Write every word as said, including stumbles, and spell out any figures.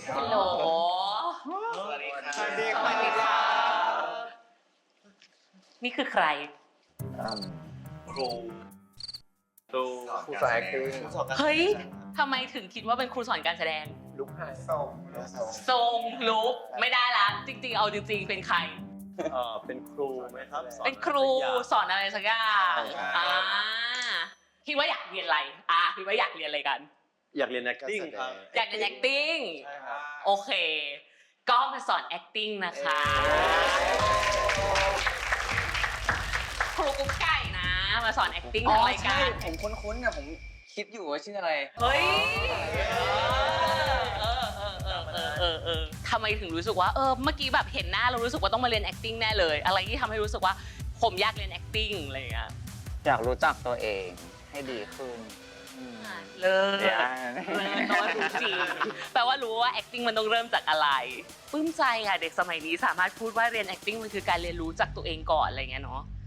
ฮัลโหลสวัสดีครับสวัสดีครับนี่คือใครครูครูครูสอน acting เฮ้ยทำไมถึงคิดว่าเป็นครูสอนการแสดงลุกไฮส่งทรงลุกไม่ได้ละจริงๆเอาจริงๆเป็นใครเอ่อเป็นครูไหมครับสอเป็นครูสอนอะไรสักอย่างใช่อ่าคิดว่าอยากเรียนอะไรอ่ะคิดว่าอยากเรียนอะไรกันอยากเรียน acting ครับอยากเรียน acting ใช่ครับโอเค ก็มาสอน acting นะคะครูกุ๊กไก่นะ มาสอน acting อ๋อทางรายใช่การผมคุ้นๆนะผมคิดอยู่ว่าชื่ออะไรเฮ้ยเออเออเออเออเออเออทำไมถึงรู้สึกว่าเออเมื่อกี้แบบเห็นหน้าเรารู้สึกว่าต้องมาเรียน acting แน่เลย อะไรที่ทำให้รู้สึกว่าผมอยากเรียน acting อะไรอย่างเงี้ยอยากรู้จักตัวเองให้ดีขึ้นเลิศเดี๋ยวเลิศแปลว่ารู้จริงแปลว่ารู้ว่า acting มันต้องเริ่มจากอะไรปลื้มใจค่ะเด็กสมัยนี้สามารถพูดว่าเรียน acting มันคือการเรียนรู้จากตัวเองก่อนอะไรเงี้ยเนาะ